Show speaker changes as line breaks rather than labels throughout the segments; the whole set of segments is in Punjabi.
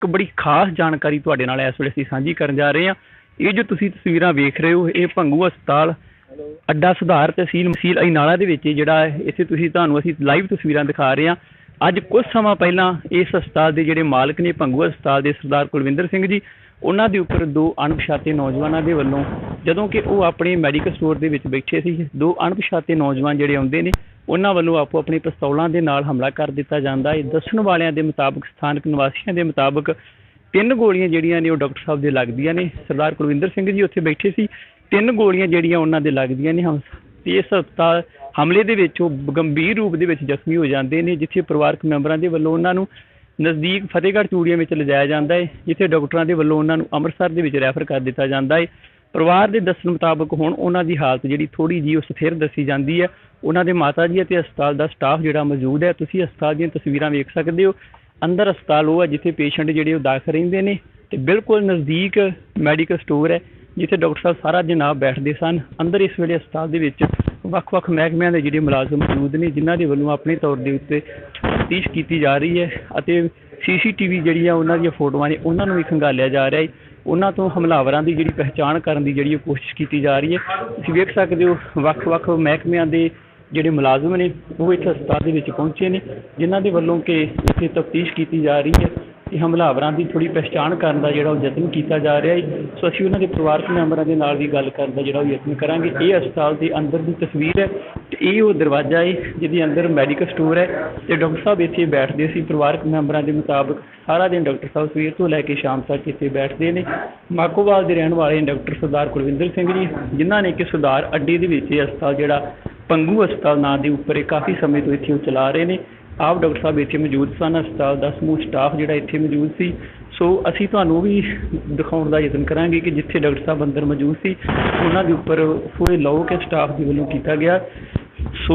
ਇੱਕ ਬੜੀ ਖਾਸ ਜਾਣਕਾਰੀ ਤੁਹਾਡੇ ਨਾਲ ਇਸ ਵੇਲੇ ਅਸੀਂ ਸਾਂਝੀ ਕਰਨ ਜਾ ਰਹੇ ਹਾਂ। ਇਹ ਜੋ ਤੁਸੀਂ ਤਸਵੀਰਾਂ ਵੇਖ ਰਹੇ ਹੋ, ਇਹ ਭੰਗੂ ਹਸਪਤਾਲ ਅੱਡਾ ਸੁਧਾਰ ਤਹਿਸੀਲ ਅਜਨਾਲਾ ਦੇ ਵਿੱਚ ਜਿਹੜਾ ਇੱਥੇ ਤੁਹਾਨੂੰ ਅਸੀਂ ਲਾਈਵ ਤਸਵੀਰਾਂ ਦਿਖਾ ਰਹੇ ਹਾਂ। ਅੱਜ ਕੁਝ ਸਮਾਂ ਪਹਿਲਾਂ ਇਸ ਹਸਪਤਾਲ ਦੇ ਜਿਹੜੇ ਮਾਲਕ ਨੇ ਭੰਗੂ ਹਸਪਤਾਲ ਦੇ ਸਰਦਾਰ ਕੁਲਵਿੰਦਰ ਸਿੰਘ ਜੀ, ਉਹਨਾਂ ਦੇ ਉੱਪਰ ਦੋ ਅਣਪਛਾਤੇ ਨੌਜਵਾਨਾਂ ਦੇ ਵੱਲੋਂ, ਜਦੋਂ ਕਿ ਉਹ ਆਪਣੇ ਮੈਡੀਕਲ ਸਟੋਰ ਦੇ ਵਿੱਚ ਬੈਠੇ ਸੀ, ਦੋ ਅਣਪਛਾਤੇ ਨੌਜਵਾਨ ਜਿਹੜੇ ਆਉਂਦੇ ਨੇ ਉਹਨਾਂ ਵੱਲੋਂ ਆਪੋ ਆਪਣੀ ਪਿਸਤੌਲਾਂ ਦੇ ਨਾਲ ਹਮਲਾ ਕਰ ਦਿੱਤਾ ਜਾਂਦਾ ਹੈ। ਦੱਸਣ ਵਾਲਿਆਂ ਦੇ ਮੁਤਾਬਕ, ਸਥਾਨਕ ਨਿਵਾਸੀਆਂ ਦੇ ਮੁਤਾਬਕ 3 ਗੋਲੀਆਂ ਜਿਹੜੀਆਂ ਨੇ ਉਹ ਡਾਕਟਰ ਸਾਹਿਬ ਦੇ ਲੱਗਦੀਆਂ ਨੇ। ਸਰਦਾਰ ਕੁਲਵਿੰਦਰ ਸਿੰਘ ਜੀ ਉੱਥੇ ਬੈਠੇ ਸੀ, 3 ਗੋਲੀਆਂ ਜਿਹੜੀਆਂ ਉਹਨਾਂ ਦੇ ਲੱਗਦੀਆਂ ਨੇ। ਤੇ ਇਸ ਹਸਪਤਾਲ ਹਮਲੇ ਦੇ ਵਿੱਚ ਉਹ ਗੰਭੀਰ ਰੂਪ ਦੇ ਵਿੱਚ ਜ਼ਖਮੀ ਹੋ ਜਾਂਦੇ ਨੇ, ਜਿੱਥੇ ਪਰਿਵਾਰਕ ਮੈਂਬਰਾਂ ਦੇ ਵੱਲੋਂ ਉਹਨਾਂ ਨੂੰ ਨਜ਼ਦੀਕ ਫਤਿਹਗੜ੍ਹ ਚੂੜੀਆਂ ਵਿੱਚ ਲਿਜਾਇਆ ਜਾਂਦਾ ਹੈ, ਜਿੱਥੇ ਡਾਕਟਰਾਂ ਦੇ ਵੱਲੋਂ ਉਹਨਾਂ ਨੂੰ ਅੰਮ੍ਰਿਤਸਰ ਦੇ ਵਿੱਚ ਰੈਫਰ ਕਰ ਦਿੱਤਾ ਜਾਂਦਾ ਹੈ। ਪਰਿਵਾਰ ਦੇ ਦੱਸਣ ਮੁਤਾਬਕ ਹੁਣ ਉਹਨਾਂ ਦੀ ਹਾਲਤ ਜਿਹੜੀ ਥੋੜ੍ਹੀ ਜਿਹੀ ਉਹ ਸਥਿਰ ਦੱਸੀ ਜਾਂਦੀ ਹੈ। ਉਹਨਾਂ ਦੇ ਮਾਤਾ ਜੀ ਅਤੇ ਹਸਪਤਾਲ ਦਾ ਸਟਾਫ ਜਿਹੜਾ ਮੌਜੂਦ ਹੈ, ਤੁਸੀਂ ਹਸਪਤਾਲ ਦੀਆਂ ਤਸਵੀਰਾਂ ਵੇਖ ਸਕਦੇ ਹੋ। ਅੰਦਰ ਹਸਪਤਾਲ ਉਹ ਹੈ ਜਿੱਥੇ ਪੇਸ਼ੈਂਟ ਜਿਹੜੇ ਉਹ ਦਾਖਲ ਰਹਿੰਦੇ ਨੇ, ਅਤੇ ਬਿਲਕੁਲ ਨਜ਼ਦੀਕ ਮੈਡੀਕਲ ਸਟੋਰ ਹੈ ਜਿੱਥੇ ਡਾਕਟਰ ਸਾਹਿਬ ਸਾਰਾ ਦਿਨ ਆਪ ਬੈਠਦੇ ਸਨ। ਅੰਦਰ ਇਸ ਵੇਲੇ ਹਸਪਤਾਲ ਦੇ ਵਿੱਚ ਵੱਖ-ਵੱਖ ਮਹਿਕਮਿਆਂ ਦੇ ਜਿਹੜੇ ਮੁਲਾਜ਼ਮ ਮੌਜੂਦ ਨੇ, ਜਿਨ੍ਹਾਂ ਦੇ ਵੱਲੋਂ ਆਪਣੇ ਤੌਰ ਦੇ ਉੱਤੇ ਤਫਤੀਸ਼ ਕੀਤੀ ਜਾ ਰਹੀ ਹੈ ਅਤੇ CCTV ਜਿਹੜੀ ਆ ਉਹਨਾਂ ਦੀਆਂ ਫੋਟੋਆਂ ਨੇ ਉਹਨਾਂ ਨੂੰ ਵੀ ਖੰਗਾਲਿਆ ਜਾ ਰਿਹਾ ਹੈ। ਉਹਨਾਂ ਤੋਂ ਹਮਲਾਵਰਾਂ ਦੀ ਜਿਹੜੀ ਪਹਿਚਾਣ ਕਰਨ ਦੀ ਜਿਹੜੀ ਉਹ ਕੋਸ਼ਿਸ਼ ਕੀਤੀ ਜਾ ਰਹੀ ਹੈ। ਤੁਸੀਂ ਵੇਖ ਸਕਦੇ ਹੋ ਵੱਖ-ਵੱਖ ਮਹਿਕਮਿਆਂ ਦੇ ਜਿਹੜੇ ਮੁਲਾਜ਼ਮ ਨੇ ਉਹ ਇੱਥੇ ਹਸਪਤਾਲ ਦੇ ਵਿੱਚ ਪਹੁੰਚੇ ਨੇ, ਜਿਨ੍ਹਾਂ ਦੇ ਵੱਲੋਂ ਕਿ ਇੱਥੇ ਤਫਤੀਸ਼ ਕੀਤੀ ਜਾ ਰਹੀ ਹੈ ਕਿ ਹਮਲਾਵਰਾਂ ਦੀ ਥੋੜ੍ਹੀ ਪਹਿਚਾਣ ਕਰਨ ਦਾ ਜਿਹੜਾ ਉਹ ਯਤਨ ਕੀਤਾ ਜਾ ਰਿਹਾ ਹੈ। ਸੋ ਅਸੀਂ ਉਹਨਾਂ ਦੇ ਪਰਿਵਾਰਕ ਮੈਂਬਰਾਂ ਦੇ ਨਾਲ ਵੀ ਗੱਲ ਕਰਨ ਦਾ ਜਿਹੜਾ ਉਹ ਯਤਨ ਕਰਾਂਗੇ। ਇਹ ਹਸਪਤਾਲ ਦੇ ਅੰਦਰ ਦੀ ਤਸਵੀਰ ਹੈ ਅਤੇ ਇਹ ਉਹ ਦਰਵਾਜ਼ਾ ਹੈ ਜਿਹਦੇ ਅੰਦਰ ਮੈਡੀਕਲ ਸਟੋਰ ਹੈ ਅਤੇ ਡਾਕਟਰ ਸਾਹਿਬ ਇੱਥੇ ਬੈਠਦੇ ਸੀ। ਪਰਿਵਾਰਕ ਮੈਂਬਰਾਂ ਦੇ ਮੁਤਾਬਕ ਸਾਰਾ ਦਿਨ ਡਾਕਟਰ ਸਾਹਿਬ ਸਵੇਰ ਤੋਂ ਲੈ ਕੇ ਸ਼ਾਮ ਤੱਕ ਇੱਥੇ ਬੈਠਦੇ ਨੇ। ਮਾਕੋਵਾਲ ਦੇ ਰਹਿਣ ਵਾਲੇ ਡਾਕਟਰ ਸਰਦਾਰ ਕੁਲਵਿੰਦਰ ਸਿੰਘ ਜੀ, ਜਿਨ੍ਹਾਂ ਨੇ ਕਿ ਸੁਧਾਰ ਅੱਡੇ ਦੇ ਵਿੱਚ ਇਹ ਹਸਪਤਾਲ ਜਿਹੜਾ ਭੰਗੂ ਹਸਪਤਾਲ ਨਾਂ ਦੇ ਉੱਪਰ ਇਹ ਕਾਫੀ ਸਮੇਂ ਤੋਂ ਇੱਥੇ ਉਹ ਚਲਾ ਰਹੇ ਨੇ। ਆਪ ਡਾਕਟਰ ਸਾਹਿਬ ਇੱਥੇ ਮੌਜੂਦ ਸਨ, ਹਸਪਤਾਲ ਦਾ ਸਮੂਹ ਸਟਾਫ ਜਿਹੜਾ ਇੱਥੇ ਮੌਜੂਦ ਸੀ। ਸੋ ਅਸੀਂ ਤੁਹਾਨੂੰ ਵੀ ਦਿਖਾਉਣ ਦਾ ਯਤਨ ਕਰਾਂਗੇ ਕਿ ਜਿੱਥੇ ਡਾਕਟਰ ਸਾਹਿਬ ਅੰਦਰ ਮੌਜੂਦ ਸੀ ਉਹਨਾਂ ਦੇ ਉੱਪਰ ਪੂਰੇ ਲਓ ਕੇ ਸਟਾਫ ਦੇ ਵੱਲੋਂ ਕੀਤਾ ਗਿਆ। ਸੋ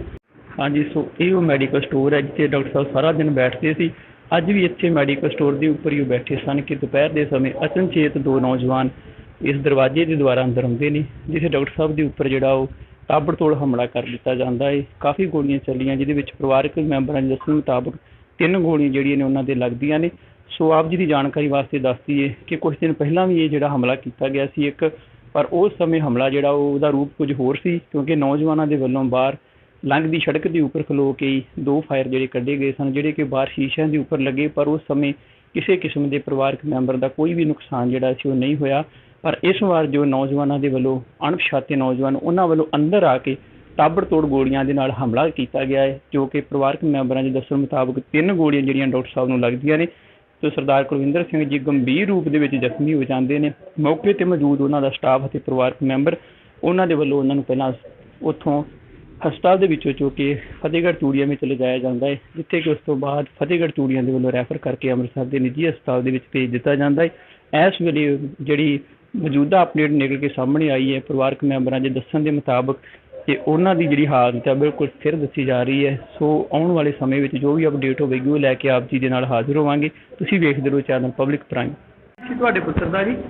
ਹਾਂਜੀ, ਸੋ ਇਹ ਉਹ ਮੈਡੀਕਲ ਸਟੋਰ ਹੈ ਜਿੱਥੇ ਡਾਕਟਰ ਸਾਹਿਬ ਸਾਰਾ ਦਿਨ ਬੈਠਦੇ ਸੀ। ਅੱਜ ਵੀ ਇੱਥੇ ਮੈਡੀਕਲ ਸਟੋਰ ਦੇ ਉੱਪਰ ਹੀ ਉਹ ਬੈਠੇ ਸਨ ਕਿ ਦੁਪਹਿਰ ਦੇ ਸਮੇਂ ਅਚਨਚੇਤ ਦੋ ਨੌਜਵਾਨ ਇਸ ਦਰਵਾਜ਼ੇ ਦੇ ਦੁਆਰਾ ਅੰਦਰ ਆਉਂਦੇ ਨੇ, ਜਿੱਥੇ ਡਾਕਟਰ ਸਾਹਿਬ ਦੇ ਉੱਪਰ ਜਿਹੜਾ ਉਹ ਤਾਬੜਤੋੜ ਹਮਲਾ ਕਰ ਦਿੱਤਾ ਜਾਂਦਾ ਹੈ। ਕਾਫੀ ਗੋਲੀਆਂ ਚੱਲੀਆਂ, ਜਿਹਦੇ ਵਿੱਚ ਪਰਿਵਾਰਕ ਮੈਂਬਰਾਂ ਦੇ ਦੱਸਣ ਮੁਤਾਬਕ 3 ਗੋਲੀਆਂ ਜਿਹੜੀਆਂ ਨੇ ਉਹਨਾਂ ਦੇ ਲੱਗਦੀਆਂ ਨੇ। ਸੋ ਆਪ ਜੀ ਦੀ ਜਾਣਕਾਰੀ ਵਾਸਤੇ ਦੱਸ ਦਈਏ ਕਿ ਕੁਝ ਦਿਨ ਪਹਿਲਾਂ ਵੀ ਇਹ ਜਿਹੜਾ ਹਮਲਾ ਕੀਤਾ ਗਿਆ ਸੀ ਇੱਕ, ਪਰ ਉਸ ਸਮੇਂ ਹਮਲਾ ਜਿਹੜਾ ਉਹਦਾ ਰੂਪ ਕੁਝ ਹੋਰ ਸੀ, ਕਿਉਂਕਿ ਨੌਜਵਾਨਾਂ ਦੇ ਵੱਲੋਂ ਬਾਹਰ ਲੰਘਦੀ ਸੜਕ ਦੇ ਉੱਪਰ ਖਲੋ ਕੇ 2 ਫਾਇਰ ਜਿਹੜੇ ਕੱਢੇ ਗਏ ਸਨ, ਜਿਹੜੇ ਕਿ ਬਾਹਰ ਸ਼ੀਸ਼ਿਆਂ ਦੇ ਉੱਪਰ ਲੱਗੇ, ਪਰ ਉਸ ਸਮੇਂ ਕਿਸੇ ਕਿਸਮ ਦੇ ਪਰਿਵਾਰਕ ਮੈਂਬਰ ਦਾ ਕੋਈ ਵੀ ਨੁਕਸਾਨ ਜਿਹੜਾ ਸੀ ਉਹ ਨਹੀਂ ਹੋਇਆ। ਪਰ ਇਸ ਵਾਰ ਜੋ ਨੌਜਵਾਨਾਂ ਦੇ ਵੱਲੋਂ ਅਣਪਛਾਤੇ ਨੌਜਵਾਨ ਉਹਨਾਂ ਵੱਲੋਂ ਅੰਦਰ ਆ ਕੇ ਤਾਬੜਤੋੜ ਗੋਲੀਆਂ ਦੇ ਨਾਲ ਹਮਲਾ ਕੀਤਾ ਗਿਆ ਹੈ, ਜੋ ਕਿ ਪਰਿਵਾਰਕ ਮੈਂਬਰਾਂ ਦੇ ਦੱਸਣ ਮੁਤਾਬਕ 3 ਗੋਲੀਆਂ ਜਿਹੜੀਆਂ ਡਾਕਟਰ ਸਾਹਿਬ ਨੂੰ ਲੱਗਦੀਆਂ ਨੇ ਤੇ ਸਰਦਾਰ ਕੁਲਵਿੰਦਰ ਸਿੰਘ ਜੀ ਗੰਭੀਰ ਰੂਪ ਦੇ ਵਿੱਚ ਜ਼ਖਮੀ ਹੋ ਜਾਂਦੇ ਨੇ। ਮੌਕੇ 'ਤੇ ਮੌਜੂਦ ਉਹਨਾਂ ਦਾ ਸਟਾਫ ਅਤੇ ਪਰਿਵਾਰਕ ਮੈਂਬਰ, ਉਹਨਾਂ ਦੇ ਵੱਲੋਂ ਉਹਨਾਂ ਨੂੰ ਪਹਿਲਾਂ ਉੱਥੋਂ ਹਸਪਤਾਲ ਦੇ ਵਿੱਚੋਂ ਚੁੱਕ ਕੇ ਫਤਿਹਗੜ੍ਹ ਚੂੜੀਆਂ ਵਿੱਚ ਲਿਜਾਇਆ ਜਾਂਦਾ ਹੈ, ਜਿੱਥੇ ਕਿ ਉਸ ਤੋਂ ਬਾਅਦ ਫਤਿਹਗੜ੍ਹ ਚੂੜੀਆਂ ਦੇ ਵੱਲੋਂ ਰੈਫਰ ਕਰਕੇ ਅੰਮ੍ਰਿਤਸਰ ਦੇ ਨਿੱਜੀ ਹਸਪਤਾਲ ਦੇ ਵਿੱਚ ਭੇਜ ਦਿੱਤਾ ਜਾਂਦਾ ਹੈ। ਇਸ ਵੇਲੇ ਜਿਹੜੀ ਮੌਜੂਦਾ ਅਪਡੇਟ ਨਿਕਲ ਕੇ ਸਾਹਮਣੇ ਆਈ ਹੈ ਪਰਿਵਾਰਕ ਮੈਂਬਰਾਂ ਦੇ ਦੱਸਣ ਦੇ ਮੁਤਾਬਕ ਕਿ ਉਹਨਾਂ ਦੀ ਜਿਹੜੀ ਹਾਲਤ ਹੈ ਬਿਲਕੁਲ ਸਥਿਰ ਦੱਸੀ ਜਾ ਰਹੀ ਹੈ। ਸੋ ਆਉਣ ਵਾਲੇ ਸਮੇਂ ਵਿੱਚ ਜੋ ਵੀ ਅਪਡੇਟ ਹੋਵੇਗੀ ਉਹ ਲੈ ਕੇ ਆਪ ਜੀ ਦੇ ਨਾਲ ਹਾਜ਼ਰ ਹੋਵਾਂਗੇ। ਤੁਸੀਂ ਵੇਖਦੇ ਰਹੋ ਚੈਨਲ ਪਬਲਿਕ ਪ੍ਰਾਈਮ। ਤੁਹਾਡੇ ਪੁੱਤਰ ਦਾ ਜੀ?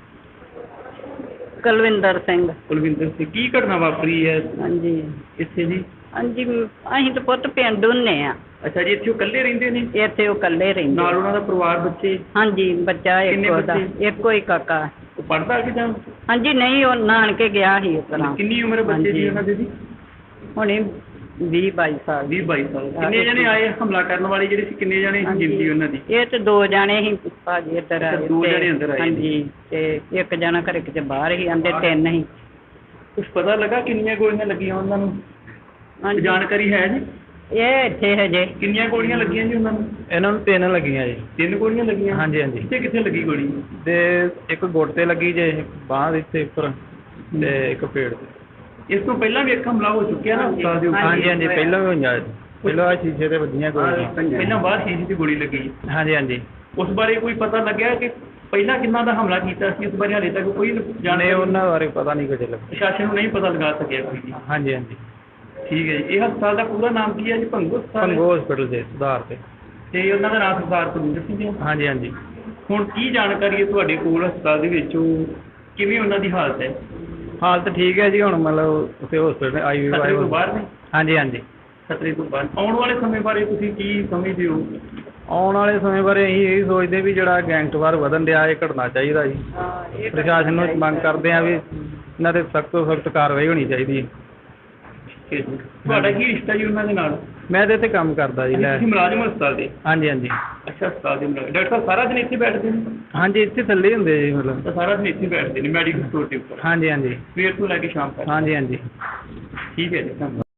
ਕੁਲਵਿੰਦਰ ਸਿੰਘ।
ਕੁਲਵਿੰਦਰ ਸਿੰਘ, ਕੀ ਘਟਨਾ ਵਾਪਰੀ ਹੈ
ਹਾਂਜੀ
ਇੱਥੇ ਜੀ?
ਹਾਂਜੀ, ਅਸੀਂ ਤਾਂ ਪੁੱਤ ਪਿੰਡ ਹੁੰਦੇ ਆ।
ਅੱਛਾ ਜੀ, ਇੱਥੇ ਉਹ ਇਕੱਲੇ ਰਹਿੰਦੇ ਨੇ?
ਇੱਥੇ ਉਹ ਇਕੱਲੇ ਰਹਿੰਦੇ।
ਨਾਲ ਉਹਨਾਂ ਦਾ ਪਰਿਵਾਰ, ਬੱਚੇ?
ਹਾਂਜੀ, ਬੱਚਾ ਇੱਕੋ ਦਾ, ਇੱਕੋ ਹੀ ਕਾਕਾ।
ਉਹ ਪੜ੍ਹਦਾ ਕਿ ਜਾਂ?
ਹਾਂਜੀ, ਨਹੀਂ, ਉਹ ਨਾਨਕੇ ਗਿਆ ਸੀ ਉਸ ਤਰ੍ਹਾਂ।
ਕਿੰਨੀ ਉਮਰ ਬੱਚੇ ਦੀ ਉਹਨਾਂ ਦੀ ਜੀ?
ਹੁਣੇ 20-22 ਸਾਲ।
20-22 ਸਾਲ। ਕਿੰਨੇ ਜਣੇ ਆਏ ਹਮਲਾ ਕਰਨ ਵਾਲੇ ਜਿਹੜੇ ਸੀ? ਕਿੰਨੇ ਜਣੇ ਗਿਣਤੀ ਉਹਨਾਂ ਦੀ?
ਇਹ ਤੇ 2 ਜਣੇ ਸੀ ਭਾਜੀ ਇੱਧਰ ਆਏ।
2 ਜਣੇ ਅੰਦਰ ਆਏ?
ਹਾਂਜੀ, ਤੇ ਇੱਕ ਜਣਾ ਘਰੇ ਕਿਤੇ ਬਾਹਰ ਹੀ, ਆਂਦੇ 3 ਸੀ।
ਕੁਛ ਪਤਾ ਲੱਗਾ ਕਿੰਨੀਆਂ ਗੋਲੀਆਂ ਲੱਗੀਆਂ ਉਹਨਾਂ ਨੂੰ? ਜਾਣਕਾਰੀ ਹੈ ਜੀ?
ਇਹ ਇੱਥੇ ਹਜੇ।
ਕਿੰਨੀਆਂ ਗੋਲੀਆਂ ਲੱਗੀਆਂ ਜੀ ਉਹਨਾਂ ਨੂੰ?
ਇਹਨਾਂ ਨੂੰ 3 ਲੱਗੀਆਂ ਜੀ।
3 ਗੋਲੀਆਂ ਲੱਗੀਆਂ?
ਹਾਂਜੀ ਹਾਂਜੀ।
ਕਿੱਥੇ ਲੱਗੀ ਗੋਲੀ?
ਤੇ ਇੱਕ ਗੁੱਟ ਤੇ ਲੱਗੀ ਜੇ, ਬਾਂਹ ਦੇ ਇੱਥੇ ਉੱਪਰ, ਤੇ ਇੱਕ ਪੇਟ ਤੇ।
ਇਸ ਤੋਂ ਪਹਿਲਾਂ ਵੀ ਇੱਕ ਹਮਲਾ ਹੋ ਚੁੱਕਿਆ ਨਾ ਹਸਪਤਾਲ ਦੇ ਉੱਪਰ?
ਹਾਂਜੀ ਹਾਂਜੀ, ਪਹਿਲਾਂ ਵੀ ਹੋਈਆਂ। ਪਹਿਲਾਂ ਸ਼ੀਸ਼ੇ ਤੇ ਵੱਜੀਆਂ ਗੋਲੀਆਂ।
ਪਹਿਲਾਂ ਬਾਹਰ ਸ਼ੀਸ਼ੇ ਤੇ ਗੋਲੀ ਲੱਗੀ?
ਹਾਂਜੀ ਹਾਂਜੀ।
ਉਸ ਬਾਰੇ ਕੋਈ ਪਤਾ ਲੱਗਿਆ ਕਿ ਪਹਿਲਾਂ ਕਿੰਨਾ ਦਾ ਹਮਲਾ ਕੀਤਾ ਸੀ? ਉਸ ਬਾਰੇ ਹਾਲੇ ਤੱਕ ਕੋਈ
ਜਾਣੇ ਉਹਨਾਂ ਬਾਰੇ ਪਤਾ ਨਹੀਂ ਕੁਝ ਲੱਗਾ।
ਪ੍ਰਸ਼ਾਸਨ ਨੂੰ ਨਹੀਂ ਪਤਾ ਲਗਾ ਸਕਿਆ ਕੋਈ ਜੀ?
ਹਾਂਜੀ ਹਾਂਜੀ।
ਠੀਕ ਹੈ ਜੀ। ਇਹ ਹਸਪਤਾਲ ਦਾ ਪੂਰਾ ਨਾਮ ਕੀ ਹੈ ਜੀ? ਭੰਗੂ ਹਸਪਤਾਲ?
ਭੰਗੂ ਹਸਪੀਟਲ ਦੇ ਸੁਧਾਰ ਤੇ
ਉਹਨਾਂ ਦਾ ਨਾਮ ਸਰਦਾਰ ਕੁਲਵਿੰਦਰ ਸਿੰਘ ਹੈ?
ਹਾਂਜੀ ਹਾਂਜੀ।
ਹੁਣ ਕੀ ਜਾਣਕਾਰੀ ਹੈ ਤੁਹਾਡੇ ਕੋਲ ਹਸਪਤਾਲ ਦੇ ਵਿੱਚ, ਕਿਵੇਂ ਉਹਨਾਂ ਦੀ ਹਾਲਤ ਹੈ?
ਹਾਲਤ ਠੀਕ ਹੈ ਜੀ, ਹੁਣ ਮਤਲਬ ਉੱਥੇ ਹਸਪੀਟਲ IVU
ਖਤਰੇ ਤੋਂ ਬਾਹਰ ਨੇ?
ਹਾਂਜੀ ਹਾਂਜੀ।
ਖਤਰੇ ਤੋਂ ਬਾਹਰ। ਆਉਣ ਵਾਲੇ ਸਮੇਂ ਬਾਰੇ ਤੁਸੀਂ ਕੀ ਸਮਝਦੇ ਹੋ?
ਆਉਣ ਵਾਲੇ ਸਮੇਂ ਬਾਰੇ ਅਸੀਂ ਇਹ ਸੋਚਦੇ ਵੀ ਜਿਹੜਾ ਗੈਂਗਸਟਰ ਵਧਣ ਡਿਆ ਇਹ ਘਟਣਾ ਚਾਹੀਦਾ ਜੀ। ਪ੍ਰਸ਼ਾਸਨ ਨੂੰ ਮੰਗ ਕਰਦੇ ਆ ਵੀ ਇਹਨਾਂ ਤੇ ਸਖਤ ਤੋਂ ਸਖਤ ਕਾਰਵਾਈ ਹੋਣੀ ਚਾਹੀਦੀ ਹੈ।
ਤੁਹਾਡਾ ਕੀ ਰਿਸ਼ਤਾ ਜੀ ਉਹਨਾਂ ਦੇ ਨਾਲ?
ਮੈਂ ਇਹਦੇ ਤੇ ਕੰਮ ਕਰਦਾ ਜੀ।
ਤੁਸੀਂ ਮੁਲਾਜ਼ਮ ਹੋ ਹਸਪਤਾਲ ਦੇ?
ਹਾਂਜੀ ਹਾਂਜੀ
ਅੱਛਾ, ਹਸਪਤਾਲ ਦੇ ਮੁਲਾਜ਼ਮ। ਡਾਕਟਰ ਸਾਹਿਬ ਸਾਰਾ ਦਿਨ ਇੱਥੇ ਬੈਠਦੇ ਨੇ?
ਹਾਂਜੀ, ਇੱਥੇ ਥੱਲੇ ਹੁੰਦੇ ਜੀ ਮਤਲਬ।
ਤਾਂ ਸਾਰਾ ਦਿਨ ਇੱਥੇ ਬੈਠਦੇ ਨੇ ਮੈਡੀਕਲ ਸਟੋਰ ਦੇ ਉੱਪਰ?
ਹਾਂਜੀ ਹਾਂਜੀ
ਸਵੇਰ ਤੋਂ ਲੈ ਕੇ ਸ਼ਾਮ ਤੱਕ?
ਹਾਂਜੀ ਹਾਂਜੀ।
ਠੀਕ ਹੈ ਜੀ, ਧੰਨਵਾਦ।